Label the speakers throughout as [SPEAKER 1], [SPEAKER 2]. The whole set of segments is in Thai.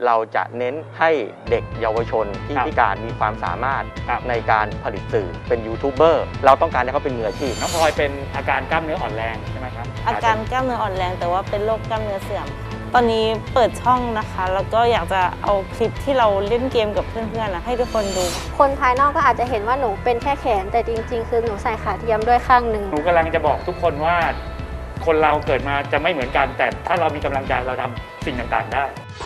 [SPEAKER 1] เราจะเน้นให้เด็กเยาวชนที่พิการมีความสามารถในการผลิตสื่อเป็นยูทูบเบอร์เราต้องการให้เขาเป็นมืออาชีพ
[SPEAKER 2] น้องพลอยเป็นอาการกล้ามเนื้ออ่อนแรงใช่ไหมครับ
[SPEAKER 3] อาการกล้ามเนื้ออ่อนแรงแต่ว่าเป็นโรคกล้ามเนื้อเสื่อมตอนนี้เปิดช่องนะคะแล้วก็อยากจะเอาคลิปที่เราเล่นเกมกับเพื่อนๆให้ทุกคนดู
[SPEAKER 4] คนภายนอกก็อาจจะเห็นว่าหนูเป็นแค่แขนแต่จริงๆคือหนูใส่ขาเทียมด้วยข้างหนึ่ง
[SPEAKER 2] หนูกำลังจะบอกทุกคนว่าคนเราเกิดมาจะไม่เหมือนกันแต่ถ้าเรามีกำลังใจเราทำสิ่งต่างๆได้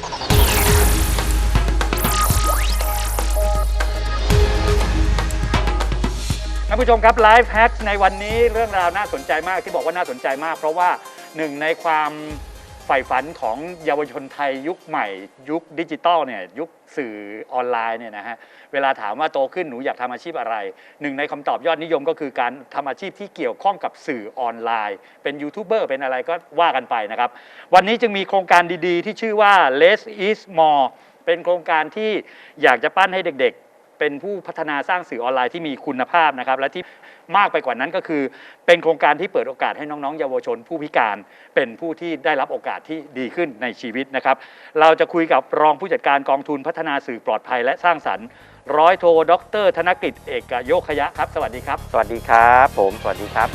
[SPEAKER 2] ท่านผู้ชมครับไลฟ์แฮกในวันนี้เรื่องราวน่าสนใจมากที่บอกว่าน่าสนใจมากเพราะว่าหนึ่งในความใฝ่ฝันของเยาวชนไทยยุคใหม่ยุคดิจิตอลเนี่ยยุคสื่อออนไลน์เนี่ยนะฮะเวลาถามว่าโตขึ้นหนูอยากทำอาชีพอะไรหนึ่งในคำตอบยอดนิยมก็คือการทำอาชีพที่เกี่ยวข้องกับสื่อออนไลน์เป็นยูทูบเบอร์เป็นอะไรก็ว่ากันไปนะครับวันนี้จึงมีโครงการดีๆที่ชื่อว่า Less is More เป็นโครงการที่อยากจะปั้นให้เด็กๆเป็นผู้พัฒนาสร้างสื่อออนไลน์ที่มีคุณภาพนะครับและที่มากไปกว่านั้นก็คือเป็นโครงการที่เปิดโอกาสให้น้องๆเยาวชนผู้พิการเป็นผู้ที่ได้รับโอกาสที่ดีขึ้นในชีวิตนะครับเราจะคุยกับรองผู้จัดการกองทุนพัฒนาสื่อปลอดภัยและสร้างสรรค์ร้อยโทดร.ธนกฤษเอกโยคยะครับสวัสดีครับ
[SPEAKER 1] สวัสดีครับผมสวัสดีครับ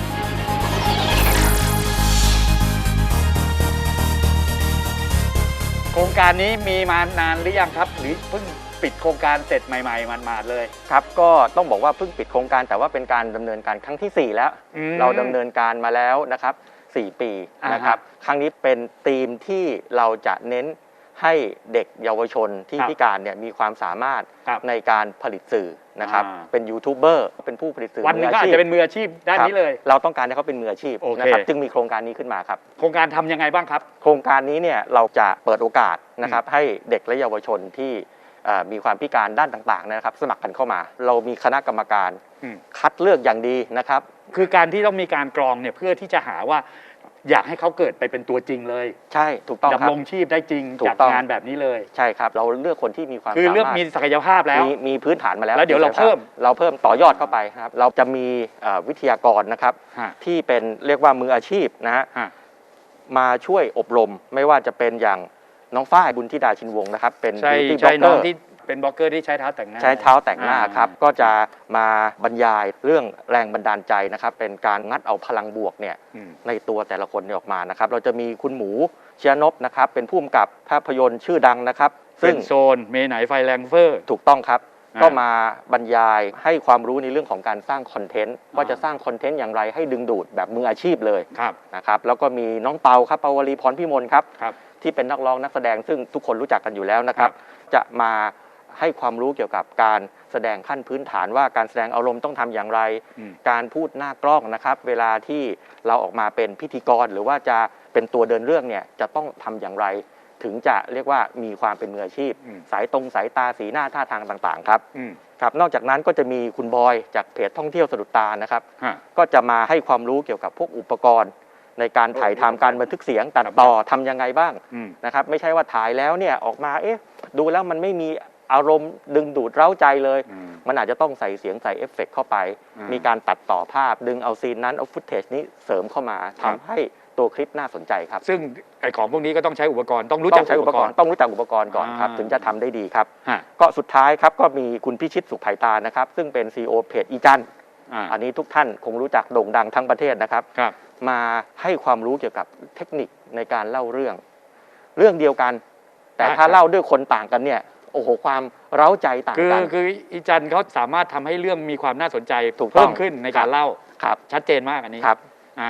[SPEAKER 2] โครงการนี้มีมานานหรือยังครับหรือเพิ่งปิดโครงการเสร็จใหม่ๆมาดๆเลย
[SPEAKER 1] ครับก็ต้องบอกว่าเพิ่งปิดโครงการแต่ว่าเป็นการดำเนินการครั้งที่4แล้วเราดำเนินการมาแล้วนะครับ4 ปีนะครับครั้งนี้เป็นธีมที่เราจะเน้นให้เด็กเยาวชนที่พิการเนี่ยมีความสามารถในการผลิตสื่อนะครับเป็นยูทูบเบอร์เป็นผู้ผลิตสื่อ
[SPEAKER 2] วันนึงก็อาจจะเป็นมืออาชีพด้านนี้เลย
[SPEAKER 1] เราต้องการให้เขาเป็นมืออาชีพนะครับจึงมีโครงการนี้ขึ้นมาครับ
[SPEAKER 2] โครงการทำยังไงบ้างครับ
[SPEAKER 1] โครงการนี้เนี่ยเราจะเปิดโอกาสนะครับให้เด็กและเยาวชนที่มีความพิการด้านต่างๆนะครับสมัครกันเข้ามาเรามีคณะกรรมการคัดเลือกอย่างดีนะครับ
[SPEAKER 2] คือการที่ต้องมีการกรองเนี่ยเพื่อที่จะหาว่าอยากให้เขาเกิดไปเป็นตัวจริงเลย
[SPEAKER 1] ใช่ถูกต้องครับ
[SPEAKER 2] ดำรงชีพได้จริงจากงานแบบนี้เลย
[SPEAKER 1] ใช่ครับเราเลือกคนที่มีความ
[SPEAKER 2] คือเลือกมีศักยภาพแล้ว
[SPEAKER 1] มีพื้นฐานมาแล้ว
[SPEAKER 2] แล้วเดี๋ยวเราเพิ่ม
[SPEAKER 1] ต่อยอดเข้าไปครับเราจะมีวิทยากรนะครับที่เป็นเรียกว่ามืออาชีพนะฮะมาช่วยอบรมไม่ว่าจะเป็นอย่างน้องฝ้ายบุญธิดาชินวงศ์นะครับเป็น
[SPEAKER 2] บิวตี้บล็อกเกอร์ที่เป็นบล็อกเกอร์ที่ใช้เท้าแต่งหน้า
[SPEAKER 1] ครับก็จะมาบรรยายเรื่องแรงบันดาลใจนะครับเป็นการงัดเอาพลังบวกเนี่ยในตัวแต่ละคนออกมานะครับเราจะมีคุณหมูเชียนพนะครับเป็นผู้กำกับภาพยนตร์ชื่อดังนะครับ
[SPEAKER 2] ซึ่งโซนเมไหนไฟแรงเฟอร์
[SPEAKER 1] ถูกต้องครับก็มาบรรยายให้ความรู้ในเรื่องของการสร้างคอนเทนต์ว่าจะสร้างคอนเทนต์อย่างไรให้ดึงดูดแบบมืออาชีพเลยนะครับแล้วก็มีน้องเปาครับเปาวลีพรพิมลครับที่เป็นนักร้องนักแสดงซึ่งทุกคนรู้จักกันอยู่แล้วนะครับจะมาให้ความรู้เกี่ยวกับการแสดงขั้นพื้นฐานว่าการแสดงอารมณ์ต้องทำอย่างไรการพูดหน้ากล้องนะครับเวลาที่เราออกมาเป็นพิธีกรหรือว่าจะเป็นตัวเดินเรื่องเนี่ยจะต้องทำอย่างไรถึงจะเรียกว่ามีความเป็นมืออาชีพสายตาสีหน้าท่าทางต่างๆครับครับนอกจากนั้นก็จะมีคุณบอยจากเพจท่องเที่ยวสะดุดตานะครับก็จะมาให้ความรู้เกี่ยวกับพวกอุปกรณ์ในการถ่ายทำการบันทึกเสียงตัดต่อทำยังไงบ้างนะครับไม่ใช่ว่าถ่ายแล้วเนี่ยออกมาดูแล้วมันไม่มีอารมณ์ดึงดูดเร้าใจเลยมันอาจจะต้องใส่เสียงใส่เอฟเฟกต์เข้าไปมีการตัดต่อภาพดึงเอาซีนนั้นเอาฟุตเทจนี้เสริมเข้ามาทำให้ตัวคลิปน่าสนใจครับ
[SPEAKER 2] ซึ่งไอ้ของพวกนี้ก็ต้องใช้อุปกรณ์ต้องรู้จัก
[SPEAKER 1] อุปกรณ์ต้องรู้จักอุปกรณ์ก่อนครับถึงจะทำได้ดีครับก็สุดท้ายครับก็มีคุณพิชิตสุขไผ่ตานะครับซึ่งเป็น CEO เพจอีจันอันนี้ทุกท่านคงรู้จักโด่งดังทั้งประเทศนะครับมาให้ความรู้เกี่ยวกับเทคนิคในการเล่าเรื่องเดียวกันแต่ถ้าเล่าด้วยคนต่างกันเนี่ยโอ้โหความเร้าใจต่างกัน
[SPEAKER 2] คืออีจันเขาสามารถทำให้เรื่องมีความน่าสนใจเพิ่มขึ้นในการเล่าชัดเจนมากอันนี้
[SPEAKER 1] ครับ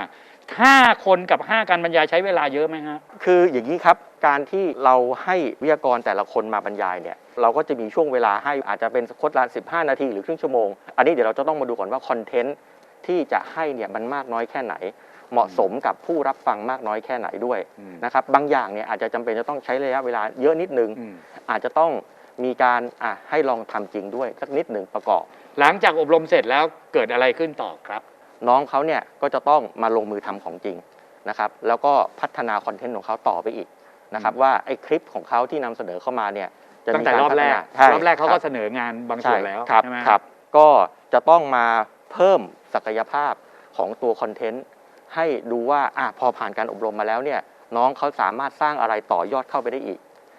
[SPEAKER 2] 5 คนกับ5การบรรยายใช้เวลาเยอะไหมฮะ
[SPEAKER 1] คืออย่างนี้ครับการที่เราให้วิทยากรแต่ละคนมาบรรยายเนี่ยเราก็จะมีช่วงเวลาให้อาจจะเป็นโค้ดละ15 นาทีหรือครึ่งชั่วโมงอันนี้เดี๋ยวเราจะต้องมาดูก่อนว่าคอนเทนต์ที่จะให้เนี่ยมันมากน้อยแค่ไหนเหมาะสมกับผู้รับฟังมากน้อยแค่ไหนด้วยนะครับบางอย่างเนี่ยอาจจะจำเป็นจะต้องใช้ระยะเวลาเยอะนิดนึงอาจจะต้องมีการให้ลองทำจริงด้วยสักนิดหนึ่งประกอบ
[SPEAKER 2] หลังจากอบรมเสร็จแล้วเกิดอะไรขึ้นต่อครับ
[SPEAKER 1] น้องเขาเนี่ยก็จะต้องมาลงมือทำของจริงนะครับแล้วก็พัฒนาคอนเทนต์ของเขาต่อไปอีกนะครับว่าไอ้คลิปของเขาที่นำเสนอเข้ามาเนี่ย
[SPEAKER 2] จะมีการพัฒนารอบแรกเขาก็เสนองานบางส่วนแล้ว
[SPEAKER 1] ใช่ไหมครับก็จะต้องมาเพิ่มศักยภาพของตัวคอนเทนต์ให้ดูว่าพอผ่านการอบรมมาแล้วเนี่ยน้องเขาสามารถสร้างอะไรต่อยอดเข้าไปได้อีก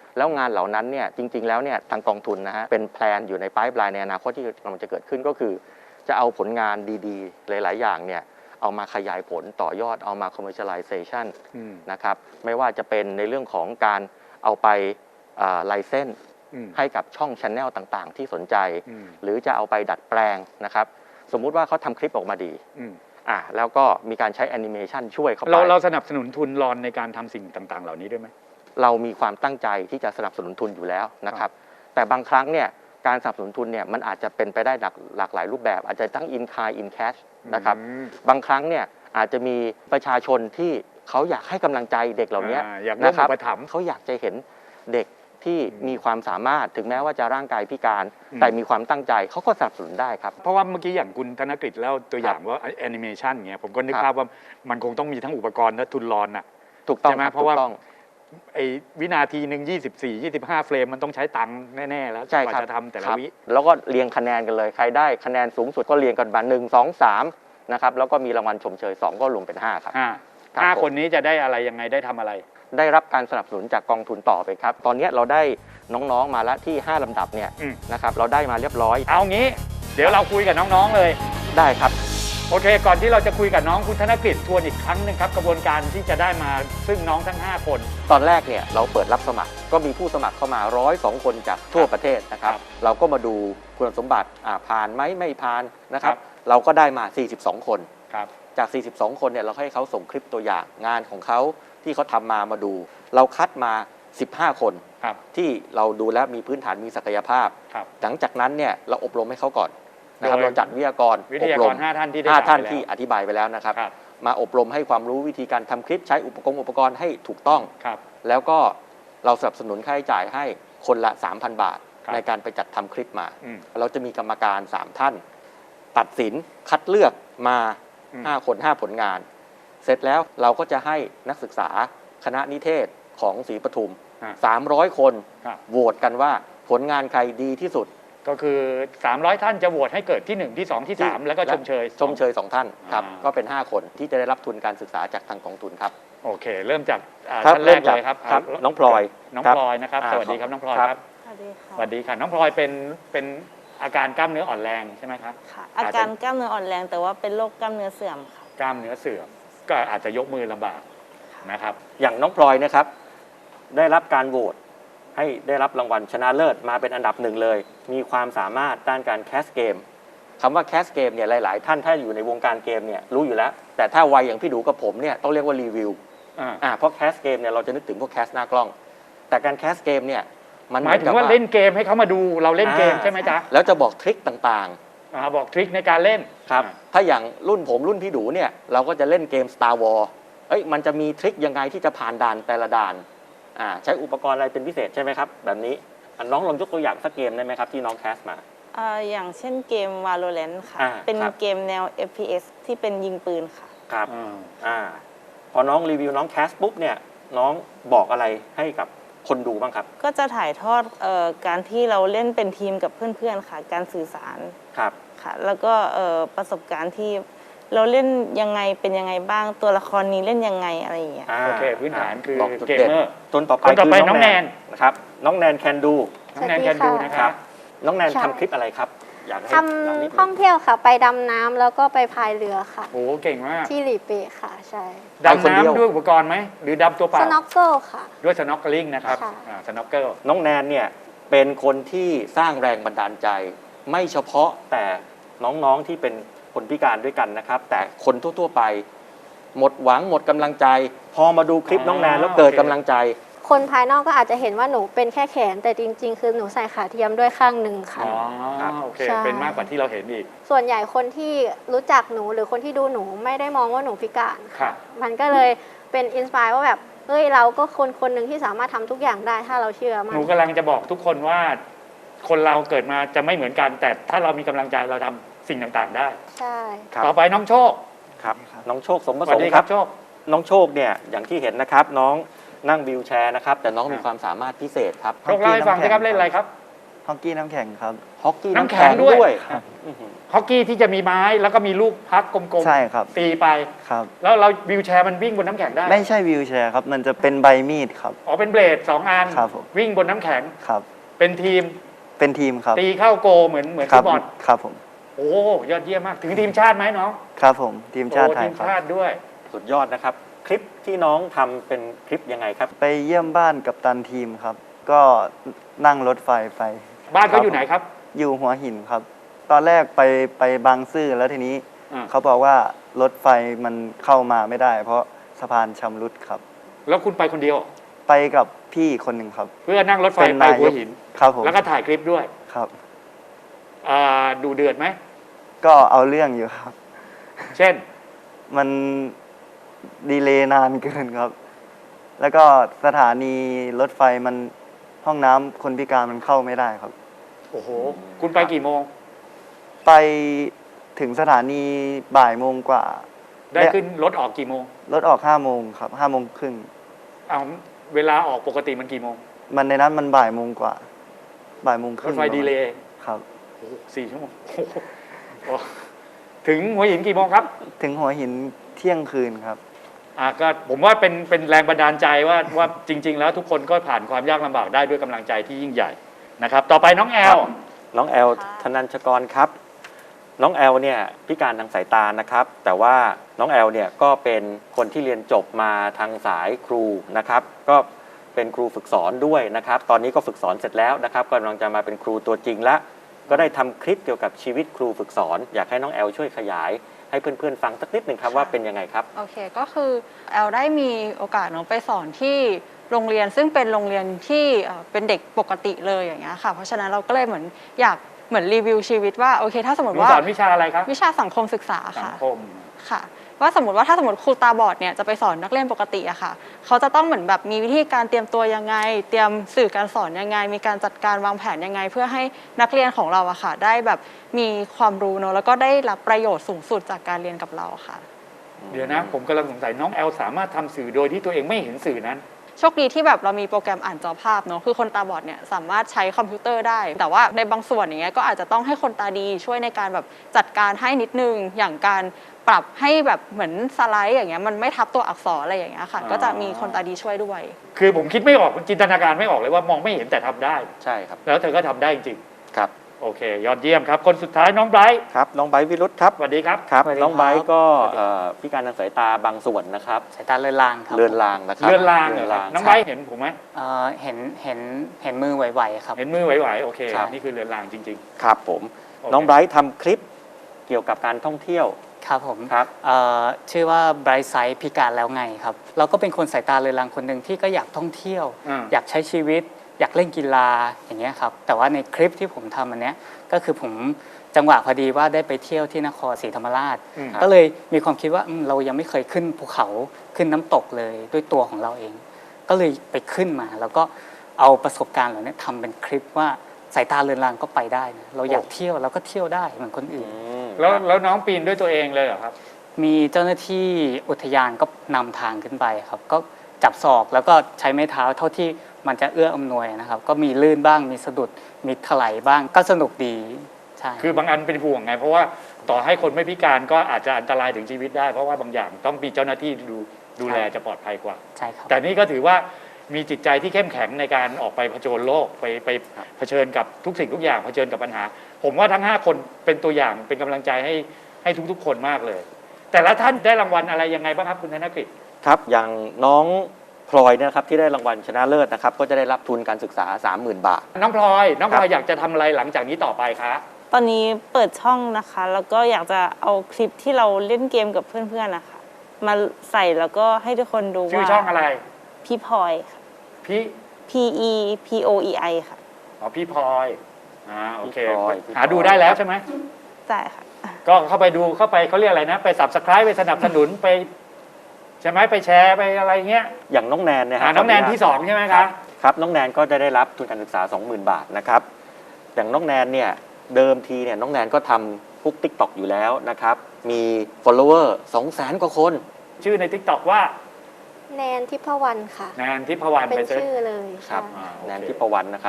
[SPEAKER 1] แล้วงานเหล่านั้นเนี่ยจริงๆแล้วเนี่ยทางกองทุนนะฮะเป็นแพลนอยู่ในไพป์ไลน์ในอนาคตที่กำลังจะเกิดขึ้นก็คือจะเอาผลงานดีๆหลายๆอย่างเนี่ยเอามาขยายผลต่อยอดเอามา commercialization นะครับไม่ว่าจะเป็นในเรื่องของการเอาไปไลเซนส์ให้กับช่อง channel ต่างๆ ที่สนใจหรือจะเอาไปดัดแปลงนะครับสมมุติว่าเขาทำคลิปออกมาดีแล้วก็มีการใช้แอนิเมชันช่วยเข้าไป
[SPEAKER 2] เราสนับสนุนทุนรอนในการทำสิ่งต่างๆ เหล่านี้ด้วยไหม
[SPEAKER 1] เรามีความตั้งใจที่จะสนับสนุนทุนอยู่แล้วนะครับแต่บางครั้งเนี่ยการสนับสนุนทุนเนี่ยมันอาจจะเป็นไปได้หลากหลายรูปแบบอาจจะทั้ง in kind in cash นะครับบางครั้งเนี่ยอาจจะมีประชาชนที่เขาอยากให้กำลังใจเด็กเหล่านี้นะครับเขาอยากจะเห็นเด็กที่มีความสามารถถึงแม้ว่าจะร่างกายพิการแต่มีความตั้งใจเขาก็สนับสนุนได้ครับ
[SPEAKER 2] เพราะว่าเมื่อกี้อย่างคุณธนกฤษเล่าตัวอย่างว่าแอนิเมชันเงี้ยผมก็นึกภาพว่ามันคงต้องมีทั้งอุปกรณ์และทุนรอนน่ะ
[SPEAKER 1] ถูกต้อง
[SPEAKER 2] ใช่ไหมเพราะว่าไอ้วินาทีหนึ่ง24-25 เฟรมมันต้องใช้ตังค์แน่ๆแล้วกว่าจะทำแต่ละวิ
[SPEAKER 1] แล้วก็เรียงคะแนนกันเลยใครได้คะแนนสูงสุดก็เรียงกันมา1 2 3นะครับแล้วก็มีรางวัลชมเชย2ก็รวมเป็น5ครับ
[SPEAKER 2] 5คนนี้จะได้อะไรยังไงได้ทำอะไร
[SPEAKER 1] ได้รับการสนับสนุนจากกองทุนต่อไปครับตอนนี้เราได้น้องๆมาแล้วที่5ลำดับเนี่ยนะครับเราได้มาเรียบร้อย
[SPEAKER 2] เอางี้เดี๋ยวเราคุยกับน้องๆเลย
[SPEAKER 1] ได้ครับ
[SPEAKER 2] โอเคก่อนที่เราจะคุยกับน้องคุณธนกฤษทวนอีกครั้งนึงครับกระบวนการที่จะได้มาซึ่งน้องทั้ง5คน
[SPEAKER 1] ตอนแรกเนี่ยเราเปิดรับสมัครก็มีผู้สมัครเข้ามา102 คนจากทั่วประเทศนะครับเราก็มาดูคุณสมบัติผ่านไหมไม่ผ่านนะครับเราก็ได้มา42 คนจาก42 คนเนี่ยเราให้เขาส่งคลิปตัวอย่างงานของเขาที่เขาทำมาดูเราคัดมา15 คนที่เราดูแล้วมีพื้นฐานมีศักยภาพหลังจากนั้นเนี่ยเราอบรมให้เขาก่อนนะครับเราจัดวิทยากร
[SPEAKER 2] อบรม5 ท่าน
[SPEAKER 1] ที่อธิบายไปแล้วนะครับมาอบรมให้ความรู้วิธีการทำคลิปใช้อุปกรณ์ให้ถูกต้องแล้วก็เราสนับสนุนค่าใช้จ่ายให้คนละ 3,000 บาทในการไปจัดทำคลิปมาเราจะมีกรรมการ3 ท่านตัดสินคัดเลือกมา5 คน5 ผลงานเสร็จแล้วเราก็จะให้นักศึกษาคณะนิเทศของศรีปทุม300 คนโหวตกันว่าผลงานใครดีที่สุด
[SPEAKER 2] ก็คือ300 ท่านจะโหวตให้เกิดที่1ที่2ที่3แล้วก็ชมเชย
[SPEAKER 1] 2 ท่านครับก็เป็น5 คนที่จะได้รับทุนการศึกษาจากทางกองทุนครับ
[SPEAKER 2] โอเคเริ่มจากท่านแรกเลยครับ
[SPEAKER 1] น้องพลอย
[SPEAKER 2] นะครับสวัสดีครับน้องพลอยครับสวัสดีค่ะน้องพลอยเป็นอาการกล้ามเนื้ออ่อนแรงใช่ไหมครับ
[SPEAKER 3] ค่ะอาการกล้ามเนื้ออ่อนแรงแต่ว่าเป็นโรคกล้ามเนื้อเสื่อมค่ะ
[SPEAKER 2] กล้ามเนื้อเสื่อมก็อาจจะยกมือลำบากนะครับ
[SPEAKER 1] อย่างน้องพลอยนะครับได้รับการโหวตให้ได้รับรางวัลชนะเลิศมาเป็นอันดับ1เลยมีความสามารถด้านการแคสเกมคำว่าแคสเกมเนี่ยหลายๆท่านถ้าอยู่ในวงการเกมเนี่ยรู้อยู่แล้วแต่ถ้าวัยอย่างพี่ดูกับผมเนี่ยต้องเรียกว่ารีวิวเพราะแคสเกมเนี่ยเราจะนึกถึงพวกแคสหน้ากล้องแต่การแคสเกมเนี่ย
[SPEAKER 2] มันหมายถึงว่าเล่นเกมให้เขามาดูเราเล่นเกมใช่ไหมจ๊ะ
[SPEAKER 1] แล้วจะบอกทริคต่าง
[SPEAKER 2] ๆบอกทริคในการเล่น
[SPEAKER 1] ครับถ้าอย่างรุ่นผมรุ่นพี่ดูเนี่ยเราก็จะเล่นเกม Star Wars มันจะมีทริคยังไงที่จะผ่านด่านแต่ละด่านใช้อุปกรณ์อะไรเป็นพิเศษใช่ไหมครับแบบนี้น้องลองยกตัวอย่างสักเกมได้ไหมครับที่น้องแคสมา
[SPEAKER 3] อย่างเช่นเกม Valorant ค่ะเป็นเกมแนว FPS ที่เป็นยิงปืนค่ะ
[SPEAKER 1] ครับพอน้องรีวิวน้องแคสปุ๊บเนี่ยน้องบอกอะไรให้กับคนดูบ้างครับ
[SPEAKER 3] ก็จะถ่ายทอดการที่เราเล่นเป็นทีมกับเพื่อนๆค่ะการสื่อสาร
[SPEAKER 1] ครับ
[SPEAKER 3] ค่ะแล้วก็ประสบการณ์ที่เราเล่นยังไงเป็นยังไงบ้างตัวละครนี้เล่นยังไงอะไรอย่างเงี้ย
[SPEAKER 2] โอเคพื้นฐานคือเกมเมอร์
[SPEAKER 1] ต้นต่อไปน้องแนนนะครับน้องแนนแคนดู
[SPEAKER 2] น้องแนนแคนดูนะครับ
[SPEAKER 1] น้องแนนทำคลิปอะไรครับ
[SPEAKER 4] อยากให้ทำท่องเที่ยวค่ะไปดำน้ำแล้วก็ไปพายเรือค่ะ
[SPEAKER 2] โอ้เก่งมาก
[SPEAKER 4] ที่หลีเปะค่ะใช่
[SPEAKER 2] ดำน้ำด้วยอุปกรณ์ไหมหรือดำตัวเปล่า
[SPEAKER 4] สน็อกเกิลค่ะ
[SPEAKER 2] ด้วยสน็อกเกิลลิงนะครับสน็อกเกิล
[SPEAKER 1] น้องแนนเนี่ยเป็นคนที่สร้างแรงบันดาลใจไม่เฉพาะแต่น้องๆที่เป็นคนพิการด้วยกันนะครับแต่คนทั่วๆไปหมดหวังหมดกำลังใจพอมาดูคลิปน้องแนนแล้วเกิดกำลังใจ
[SPEAKER 4] คนภายนอกก็อาจจะเห็นว่าหนูเป็นแค่แขนแต่จริงๆคือหนูใส่ขาเทียมด้วยข้างหนึ่งค่ะ
[SPEAKER 2] โอเคเป็นมากกว่าที่เราเห็นอีก
[SPEAKER 4] ส่วนใหญ่คนที่รู้จักหนูหรือคนที่ดูหนูไม่ได้มองว่าหนูพิการค่ะมันก็เลยเป็นอินสไปร์ว่าแบบเฮ้ยเราก็คนหนึ่งที่สามารถทำทุกอย่างได้ถ้าเราเชื่อมัน
[SPEAKER 2] หนูกำลังจะบอกทุกคนว่าคนเราเกิดมาจะไม่เหมือนกันแต่ถ้าเรามีกำลังใจเราทำสิ่งต่างๆได้
[SPEAKER 4] ใช่
[SPEAKER 2] ต่อไปน้องโชค
[SPEAKER 1] ครับน้องโชคสมประสงค์ครับน้องโชคเนี่ยอย่างที่เห็นนะครับน้องนั่งวีลแชร์นะครับแต่น้องมีความสามารถพิเศษครับ
[SPEAKER 2] โชคเล่าให้ฟังสิครับเล่นอะไรครับ
[SPEAKER 5] ฮอกกี้น้ำแข็งครับ
[SPEAKER 1] ฮอกกี้
[SPEAKER 2] น้ำแข็งด้วย
[SPEAKER 1] ครับอื้อหือ
[SPEAKER 2] ฮอกกี้ที่จะมีไม้แล้วก็มีลูกพักกลมๆ
[SPEAKER 5] ใช่ครับ
[SPEAKER 2] ตีไป
[SPEAKER 5] ครับ
[SPEAKER 2] แล้วเราวีลแชร์มันวิ่งบนน้ำแข็งได้
[SPEAKER 5] ไม่ใช่วิวแชร์ครับ มันจะเป็นใบมีดครับ
[SPEAKER 2] อ๋อเป็นเบลด2 อัน
[SPEAKER 5] ครับผม
[SPEAKER 2] วิ่งบนน้ำแข็ง
[SPEAKER 5] ครับ
[SPEAKER 2] เป็นทีม
[SPEAKER 5] เป็นทีมครับ
[SPEAKER 2] ตีเข้าโกเหมือน
[SPEAKER 5] ค
[SPEAKER 2] ฟุ
[SPEAKER 5] รับ
[SPEAKER 2] ตบอล
[SPEAKER 5] ครับผม
[SPEAKER 2] โอ้ยอดเยี่ยมมากถึงทีมชาติไหมน้อง
[SPEAKER 5] ครับผมทีมชาติ
[SPEAKER 2] โอ้
[SPEAKER 5] ไทย
[SPEAKER 2] ทีม
[SPEAKER 5] ครับ
[SPEAKER 2] ชาติด้วย
[SPEAKER 1] สุดยอดนะครับ คลิปที่น้องทำเป็นคลิปยังไงครับ
[SPEAKER 5] ไปเยี่ยมบ้านกับตันทีมครับ ก็นั่งรถไฟไป
[SPEAKER 2] บ้านเขาอยู่ไหนครับ
[SPEAKER 5] อยู่หัวหินครับ ตอนแรกไปบางซื่อแล้วทีนี้
[SPEAKER 2] อ่า
[SPEAKER 5] เขาบอกว่ารถไฟมันเข้ามาไม่ได้ เพราะสะพานชำรุดครับ
[SPEAKER 2] แล้วคุณไปคนเดียว
[SPEAKER 5] ไปกับพี่คนหนึ่งครับ
[SPEAKER 2] เพื่อนั่งรถไฟ
[SPEAKER 5] เป็น
[SPEAKER 2] ไป
[SPEAKER 5] นาย
[SPEAKER 2] หัว
[SPEAKER 5] ก
[SPEAKER 2] หิน
[SPEAKER 5] ครับผม
[SPEAKER 2] แล้วก็ถ่ายคลิปด้วย
[SPEAKER 5] ครับ
[SPEAKER 2] ดูเดือดไหม
[SPEAKER 5] ก็เอาเรื่องอยู่ครับ
[SPEAKER 2] เช่น
[SPEAKER 5] มันดีเลย์นานเกินครับ แล้วก็สถานีรถไฟมันห้องน้ำคนพิการมันเข้าไม่ได้ครับ
[SPEAKER 2] โอ้โห คุณไปกี่โมง
[SPEAKER 5] ไปถึงสถานีบ่ายโมงกว่า
[SPEAKER 2] ได้ขึ้นรถออกกี่โมง
[SPEAKER 5] รถออก5 โมงครับ5 โมงครึ่ง
[SPEAKER 2] เอาเวลาออกปกติมันกี่โมง
[SPEAKER 5] มันในนั้นมันบ่ายโมงกว่าบ่ายโมงค
[SPEAKER 2] ร
[SPEAKER 5] รึ่
[SPEAKER 2] ถ
[SPEAKER 5] ง
[SPEAKER 2] ไฟดีเลย์
[SPEAKER 5] ครับ
[SPEAKER 2] โอ้โห4 ชั่วโมงโอ้โหโอ้ถึงหัวหินกี่โมงครับ
[SPEAKER 5] ถึงหัวหินเที่ยงคืนครับ
[SPEAKER 2] ก็ผมว่าเป็นแรงบันดาลใจว่าจริง ๆ แล้วทุกคนก็ผ่านความยากลำบากได้ด้วยกำลังใจที่ยิ่งใหญ่นะครับ ต่อไปน้องแอล
[SPEAKER 1] น้องแอลธนัญชกรครับ น้องแอลเนี่ยพิการทางสายตานะครับ แต่ว่าน้องแอลเนี่ยก็เป็นคนที่เรียนจบมาทางสายครูนะครับ ก็เป็นครูฝึกสอนด้วยนะครับ ตอนนี้ก็ฝึกสอนเสร็จแล้วนะครับกำลังจะมาเป็นครูตัวจริงแล้วก็ได้ทำคลิปเกี่ยวกับชีวิตครูฝึกสอน อยากให้น้องแอลช่วยขยายให้เพื่อนๆฟังสักนิดหนึ่งครับว่าเป็นยังไงครับ
[SPEAKER 6] โอเคก็คือแอลได้มีโอกาสเนาะไปสอนที่โรงเรียนซึ่งเป็นโรงเรียนที่เป็นเด็กปกติเลยอย่างเงี้ยค่ะเพราะฉะนั้นเราก็เลยเหมือนอยากเหมือนรีวิวชีวิตว่าโอเคถ้าสมม
[SPEAKER 2] ห
[SPEAKER 6] ติ
[SPEAKER 2] นู
[SPEAKER 6] ว่า
[SPEAKER 2] สอนวิชาอะไรครับ
[SPEAKER 6] วิชาสังคมศึกษา
[SPEAKER 2] สัง
[SPEAKER 6] ค่ะ
[SPEAKER 2] คม
[SPEAKER 6] ค่ะว่าสมมติว่าถ้าสมมติครูตาบอดเนี่ยจะไปสอนนักเรียนปกติอะค่ะเขาจะต้องเหมือนแบบมีวิธีการเตรียมตัวยังไง เตรียมสื่อการสอนยังไง มีการจัดการวางแผนยังไง เพื่อให้นักเรียนของเราอะค่ะได้แบบมีความรู้เนอะแล้วก็ได้รับประโยชน์สูงสุดจากการเรียนกับเราค่ะ
[SPEAKER 2] เดี๋ยวนะผมกำลังสงสัยน้องแอลสามารถทำสื่อโดยที่ตัวเองไม่เห็นสื่อนั้น
[SPEAKER 6] โชคดีที่แบบเรามีโปรแกรมอ่านจอภาพเนอะคือคนตาบอดเนี่ยสามารถใช้คอมพิวเตอร์ได้ แต่ว่าในบางส่วนอย่างเงี้ยก็อาจจะต้องให้คนตาดีช่วยในการแบบจัดการให้นิดนึงอย่างการปรับให้แบบเหมือนสไลด์อย่างเงี้ยมันไม่ทับตัวอักษรอะไรอย่างเงี้ยค่ะ
[SPEAKER 2] อ๋อ
[SPEAKER 6] ก็จะมีคนตาดีช่วยด้วย
[SPEAKER 2] คือผมคิดไม่ออกจินตนาการไม่ออกเลยว่ามองไม่เห็นแต่ทำได้
[SPEAKER 1] ใช่ครับ
[SPEAKER 2] แล้วเธอก็ทำได้จริง
[SPEAKER 1] ครับ
[SPEAKER 2] ๆโอเค ยอดเยี่ยมครับ คนสุดท้ายน้องไบรท์
[SPEAKER 1] ครับน้องไบร์ทวิรุธครับ
[SPEAKER 2] สวัสดีครับ
[SPEAKER 1] ครับ
[SPEAKER 7] สวัสดีครับ
[SPEAKER 1] น้องไบร์ทก็พิการทางสายตาบางส่วนนะครับ
[SPEAKER 7] สายตาเลือนลางครับ
[SPEAKER 1] เลือนลางนะครับ
[SPEAKER 2] เลื่อนลางเหรอครับน้องไบรท์เห็นผมไหม
[SPEAKER 7] เห็นมือไหวๆครับ
[SPEAKER 2] เห็นมือไหวๆโอเค
[SPEAKER 1] ครับ
[SPEAKER 2] นี่คือเลื่อนลางจริง
[SPEAKER 1] ครับผม
[SPEAKER 2] โอเค
[SPEAKER 1] น้องไบร์ททำคลิปเกี่ยวกับการท่องเที่ยว
[SPEAKER 7] ครับผม
[SPEAKER 1] ครับ
[SPEAKER 7] ชื่อว่า Bright Sight พิการแล้วไงครับ เราก็เป็นคนสายตาเลือนลางคนหนึ่งที่ก็อยากท่องเที่ยว อยากใช้ชีวิต อยากเล่นกีฬาอย่างเงี้ยครับ แต่ว่าในคลิปที่ผมทำอันเนี้ยก็คือผมจังหวะพอดีว่าได้ไปเที่ยวที่นครศรีธรรมราช
[SPEAKER 2] อืม
[SPEAKER 7] ก็เลยมีความคิดว่าเรายังไม่เคยขึ้นภูเขาขึ้นน้ำตกเลยด้วยตัวของเราเอง ก็เลยไปขึ้นมาแล้วก็เอาประสบการณ์เหล่านี้ทำเป็นคลิปว่าสายตาเลือนลางก็ไปได้นะเราอยากเที่ยวเราก็เที่ยวได้เหมือนคนอื่น
[SPEAKER 2] แล้วน้องปีนด้วยตัวเองเลยเหรอครับ
[SPEAKER 7] มีเจ้าหน้าที่อุทยานก็นำทางขึ้นไปครับ ก็จับศอกแล้วก็ใช้ไม้เท้าเท่าที่มันจะเอื้ออำนวยนะครับ ก็มีลื่นบ้างมีสะดุดมีถลายบ้างก็สนุกดีใช่
[SPEAKER 2] คือบางอันเป็นห่วงไง เพราะว่าต่อให้คนไม่พิการก็อาจจะอันตรายถึงชีวิตได้ เพราะว่าบางอย่างต้องมีเจ้าหน้าที่ดูแลจะปลอดภัยกว่า
[SPEAKER 7] ใช่ครับ
[SPEAKER 2] แต่นี่ก็ถือว่ามีจิตใจที่เข้มแข็งในการออกไปเผชิญโลกไปเผชิญกับทุกสิ่งทุกอย่างเผชิญกับปัญหา ผมว่าทั้ง5คนเป็นตัวอย่างเป็นกำลังใจให้ทุกๆคนมากเลย แต่ละท่านได้รางวัลอะไรยังไงบ้างครับคุณธนกฤษ
[SPEAKER 1] ครับอย่างน้องพลอยเนี่ยนะครับที่ได้รางวัลชนะเลิศนะครับก็จะได้รับทุนการศึกษา 30,000 บาท
[SPEAKER 2] น้องพลอยอยากจะทำอะไรหลังจากนี้ต่อไปคะ
[SPEAKER 3] ตอนนี้เปิดช่องนะคะ แล้วก็อยากจะเอาคลิปที่เราเล่นเกมกับเพื่อนๆนะคะมาใส่แล้วก็ให้ทุกคนดูว่า
[SPEAKER 2] ชื่อช่องอะไร
[SPEAKER 3] พี่พลอยค่ะ
[SPEAKER 2] พี่
[SPEAKER 3] P E P O E I ค่ะ
[SPEAKER 2] อ๋อพี่พลอยโอเค
[SPEAKER 1] พี่พลอย
[SPEAKER 2] หาดูได้แล้วใช่ไหม
[SPEAKER 3] ใช่ค่ะ
[SPEAKER 2] ก็เข้าไปดูเข้าไปเขาเรียกอะไรนะไป Subscribe ไปสนับสนุนไปใช่ไหมไปแชร์ไปอะไรเงี้ย
[SPEAKER 1] อย่างน้องแนนเนี่ยฮะ
[SPEAKER 2] น้องแนนที่2ใช่ไหมคะ
[SPEAKER 1] ครับน้องแนนก็จะได้รับทุนการศึกษา 20,000 บาทนะครับอย่างน้องแนนเนี่ยเดิมทีเนี่ยน้องแนนก็ทำพวก TikTok อยู่แล้วนะครับมี follower 200,000 กว่าคน
[SPEAKER 2] ชื่อใน TikTok ว่า
[SPEAKER 4] แนนทิพวรรณค่ะ
[SPEAKER 2] แนนทิพวรรณ
[SPEAKER 4] เป็
[SPEAKER 2] ไป
[SPEAKER 4] น
[SPEAKER 2] เซิร์ช
[SPEAKER 4] ชื่อเลย
[SPEAKER 1] ครับ
[SPEAKER 4] ใช่
[SPEAKER 2] โอเค
[SPEAKER 1] แนนทิพวรรณนะครับ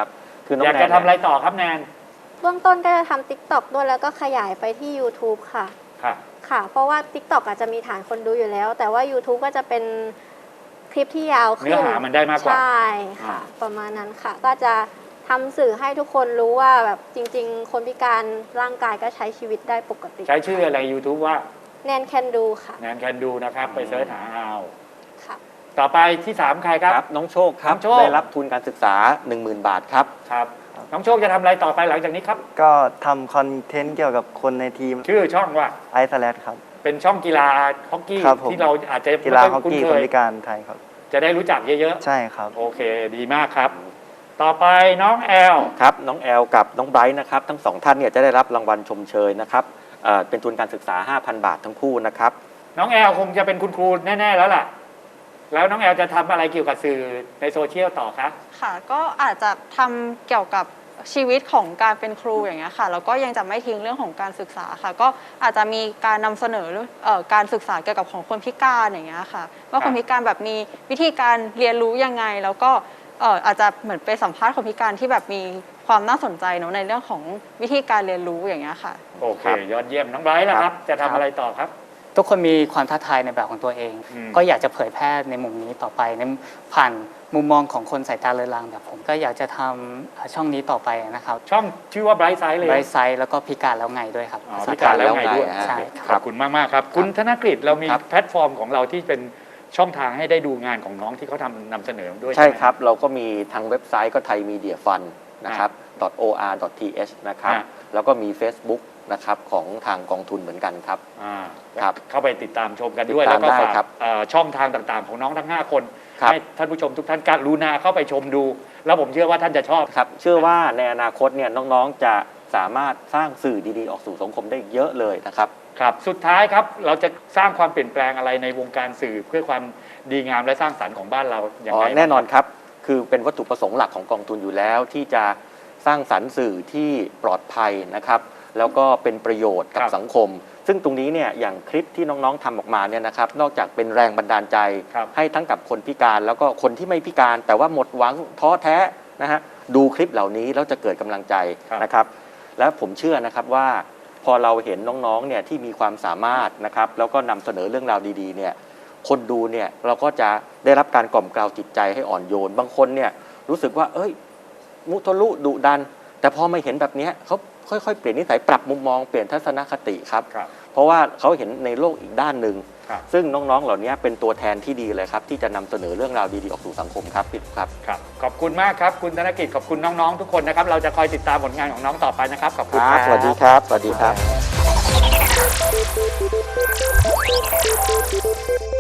[SPEAKER 1] คือน้อง
[SPEAKER 2] อยาก
[SPEAKER 1] แน
[SPEAKER 2] จะ
[SPEAKER 1] น
[SPEAKER 2] ทำอะไรต่อครับแนน
[SPEAKER 4] เบื้องต้นก็จะทำ TikTok ด้วยแล้วก็ขยายไปที่ YouTube ค่ะ
[SPEAKER 2] ค่ะ
[SPEAKER 4] ค่ะ เพราะว่า TikTok อาจจะมีฐานคนดูอยู่แล้ว แต่ว่า YouTube ก็จะเป็นคลิปที่ยาวขึ้น
[SPEAKER 2] เนื้อหามันได้มากกว่า
[SPEAKER 4] ใช่ค่ะ ประมาณนั้นค่ะ ก็จะทำสื่อให้ทุกคนรู้ว่าแบบจริง ๆ คนพิการร่างกายก็ใช้ชีวิตได้ปกติ
[SPEAKER 2] ใช้ชื่ออะไร YouTube ว่า
[SPEAKER 4] แนนแคนดูค่ะ
[SPEAKER 2] แนนแคนดูนะครับ ไปเสิร์ชหาเอา
[SPEAKER 4] ค่ะ
[SPEAKER 2] ต่อไปที่ 3 ใครครับ
[SPEAKER 1] ครับน้องโชคครับ
[SPEAKER 2] น้องโชค
[SPEAKER 1] ได้รับทุนการศึกษา 10,000 บาทครับ
[SPEAKER 2] ครับ น้องโชคจะทำอะไรต่อไปหลังจากนี้ครับ
[SPEAKER 5] ก็ทำคอนเทนต์เกี่ยวกับคนในทีม
[SPEAKER 2] ชื่อช่องว่า
[SPEAKER 5] ไอซ์แลดครับ
[SPEAKER 2] เป็นช่องกีฬาฮอกกี้
[SPEAKER 5] ครับผม
[SPEAKER 2] ที่เราอาจจะ
[SPEAKER 5] กีฬา
[SPEAKER 2] ไม่
[SPEAKER 5] ฮอก
[SPEAKER 2] คุ้น
[SPEAKER 5] กี้
[SPEAKER 2] เค
[SPEAKER 5] คน
[SPEAKER 2] ย
[SPEAKER 5] พิการไทยครับ
[SPEAKER 2] จะได้รู้จักเยอะ
[SPEAKER 5] ใช่ครับ
[SPEAKER 2] ๆ โอเค ดีมากครับ ต่อไปน้องแอล
[SPEAKER 1] ครับน้องแอลกับน้องไบรท์นะครับทั้งสองท่านเนี่ยจะได้รับรางวัลชมเชยนะครับเป็นทุนการศึกษา 5,000 บาททั้งคู่นะครับ
[SPEAKER 2] น้องแอลคงจะเป็นคุณครูแน่ ๆ แล้วล่ะ แล้วน้องแอลจะทำอะไรเกี่ยวกับสื่อในโซเชียลต่อคะ
[SPEAKER 6] ค่ะก็อาจจะทำเกี่ยวกับชีวิตของการเป็นครูอย่างเงี้ยค่ะแล้วก็ยังจะไม่ทิ้งเรื่องของการศึกษาค่ะ ก็อาจจะมีการนำเสนอการศึกษาเกี่ยวกับของคนพิการอย่างเงี้ยค่ะว่าคนพิการแบบมีวิธีการเรียนรู้ยังไง แล้วก็อาจจะเหมือนไปสัมภาษณ์คนพิการที่แบบมีความน่าสนใจเนอะในเรื่องของวิธีการเรียนรู้อย่างเงี้ยค่ะ
[SPEAKER 2] โอเค ยอดเยี่ยมน้องไบรท์ล่ะครับ จะทำอะไรต่อครับ
[SPEAKER 7] ทุกคนมีความท้าทายในแบบของตัวเอง
[SPEAKER 2] อืม
[SPEAKER 7] ก็อยากจะเผยแพร่ในมุมนี้ต่อไปในผ่านมุมมองของคนสายตาเลือนลางแบบผมก็อยากจะทำช่องนี้ต่อไปนะครับ
[SPEAKER 2] ช่องชื่อว่า Bright Side เลย
[SPEAKER 7] ไบรท์ไซด์แล้วก็พิการแล้วไงด้วยครับ
[SPEAKER 2] อ๋อพิการแล้วไงด้วย
[SPEAKER 7] ใช่
[SPEAKER 2] ข
[SPEAKER 7] ค
[SPEAKER 2] อ
[SPEAKER 7] รั
[SPEAKER 2] บบ คุณมาก ๆ ครับ คุณธนกฤษเรามี
[SPEAKER 1] ครับ
[SPEAKER 2] แพลตฟอร์มของเราที่เป็นช่องทางให้ได้ดูงานของน้องที่เขานำเสนอด้วย
[SPEAKER 1] ใช่
[SPEAKER 2] ไหม
[SPEAKER 1] ครับ เราก็มีทางเว็บไซต์ก็ไทยมีเดียฟันนะครับ .or.th นะครับ
[SPEAKER 2] อ่ะ
[SPEAKER 1] แล้วก็มี Facebook นะครับของทางกองทุนเหมือนกันครับ
[SPEAKER 2] อ่า
[SPEAKER 1] ครับ
[SPEAKER 2] เข้าไปติดตามชมกันด้วย
[SPEAKER 1] ติด
[SPEAKER 2] แล้
[SPEAKER 1] ตาว ม
[SPEAKER 2] ก็
[SPEAKER 1] ได้
[SPEAKER 2] ฝาก
[SPEAKER 1] ครับ
[SPEAKER 2] ช่องทางต่างๆ ของน้องทั้ง 5 คน
[SPEAKER 1] ครับ
[SPEAKER 2] ให้ท่านผู้ชมทุกท่านกรุณาเข้าไปชมดู แล้วผมเชื่อว่าท่านจะชอบ
[SPEAKER 1] ครับเชื่อว่าในอนาคตเนี่ยน้องๆจะสามารถสร้างสื่อดีๆ ออกสู่สังคมได้เยอะเลยนะครับ
[SPEAKER 2] ครับสุดท้ายครับเราจะสร้างความเปลี่ยนแปลงอะไรในวงการสื่อเพื่อความดีงามและสร้างสรรค์ของบ้านเราอย่างไร
[SPEAKER 1] แน่นอนครับ คือเป็นวัตถุประสงค์หลักของกองทุนอยู่แล้ว ที่จะสร้างสรรค์สื่อที่ปลอดภัยนะครับ แล้วก็เป็นประโยชน์กับสังคม ซึ่งตรงนี้เนี่ยอย่างคลิปที่น้องๆทำออกมาเนี่ยนะครับ นอกจากเป็นแรงบันดาลใจ
[SPEAKER 2] ครับ
[SPEAKER 1] ให้ทั้งกับคนพิการแล้วก็คนที่ไม่พิการ แต่ว่าหมดหวังท้อแท้นะฮะดูคลิปเหล่านี้แล้วจะเกิดกำลังใจนะครับ และผมเชื่อนะครับว่าพอเราเห็นน้องๆเนี่ยที่มีความสามารถนะครับแล้วก็นำเสนอเรื่องราวดีๆเนี่ยคนดูเนี่ยเราก็จะได้รับการกล่อมเกลาจิตใจให้อ่อนโยน บางคนเนี่ยรู้สึกว่าเอ้ยมุทะลุดุดัน แต่พอมาเห็นแบบเนี้ยเขาค่อยๆเปลี่ยนนิสัยปรับมุมมองเปลี่ยนทัศนคติครับ
[SPEAKER 2] ครับ
[SPEAKER 1] เพราะว่าเขาเห็นในโลกอีกด้านหนึ่ง
[SPEAKER 2] ครับ
[SPEAKER 1] ซึ่งน้องๆเหล่านี้เป็นตัวแทนที่ดีเลยครับที่จะนำเสนอเรื่องราวดีๆออกสู่สังคมครับพี่ครับ
[SPEAKER 2] ครับขอบคุณมากครับคุณธนกิจขอบคุณน้องๆทุกคนนะครับเราจะคอยติดตามผลงานของน้องต่อไปนะครับขอบคุณครับ
[SPEAKER 1] สวัสดีครับ สวัสดีครับ